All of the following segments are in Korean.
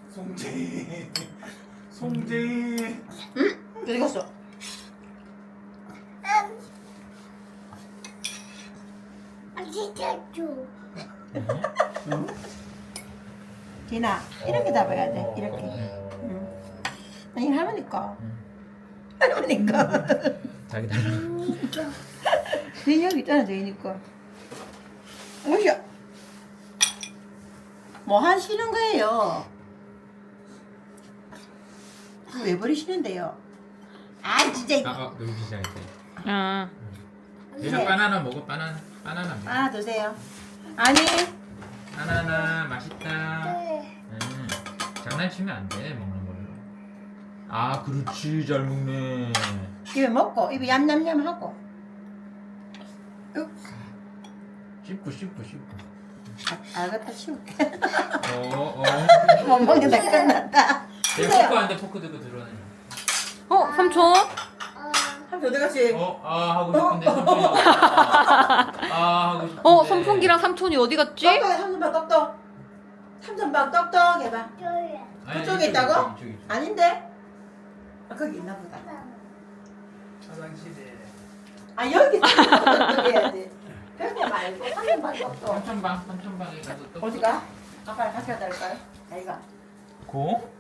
송재희. 송재희. 어디 갔어? 디나 이렇게 잡아야 돼. 이렇게. 응. 아니 할머니 거. 할머니 거. 자기 달라. 네 여기 있잖아 제이니 거. 오셔. 뭐 하시는 거예요? 그거 왜 버리시는데요? 아 진짜. 놀기 시작했대. 아, 얘가 바나나 먹어. 바나나. 하나 드세요. 아니 바나나 맛있다. 장난치면 안 돼. 먹는 걸로. 아 그렇지 잘 먹네. 입에 먹고 입에 얌얌얌 하고. 씹고. 알겠다 치울게. 어. 못 먹는다 끝났다. 내가 포크 한대 포크 들고 들어오네. 삼촌? 한 어디 갔지? 하고 싶은데 선풍기. 하고 싶은데. 선풍기랑 삼촌이 어디 갔지? 똑똑해 삼촌방 똑똑. 삼촌방 똑똑 해봐. 아니, 그쪽에 있다고? 이쪽에. 아닌데? 거기 있나 보다. 화장실에. 여기 똑똑 해야지. 벽에 말고 삼촌방 똑똑. 삼촌방에 가서 또. 어디가? 아빠랑 같이 가야 될까요? 아이가. 고?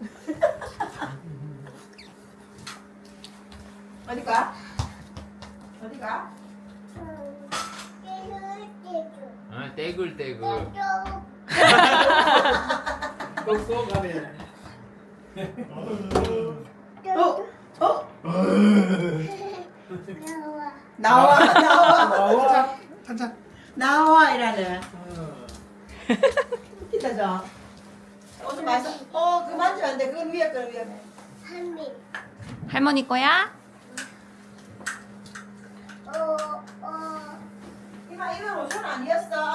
어디가? 어디가? 떼굴. 꼭꼭 가면. 나와. 찬찬. 나와 이라네. 웃기다 저. 오늘 맛있어. 그만 주면 안 돼. 그건 위험해. 할머니 거야? 이만 이건 5천 원 아니었어.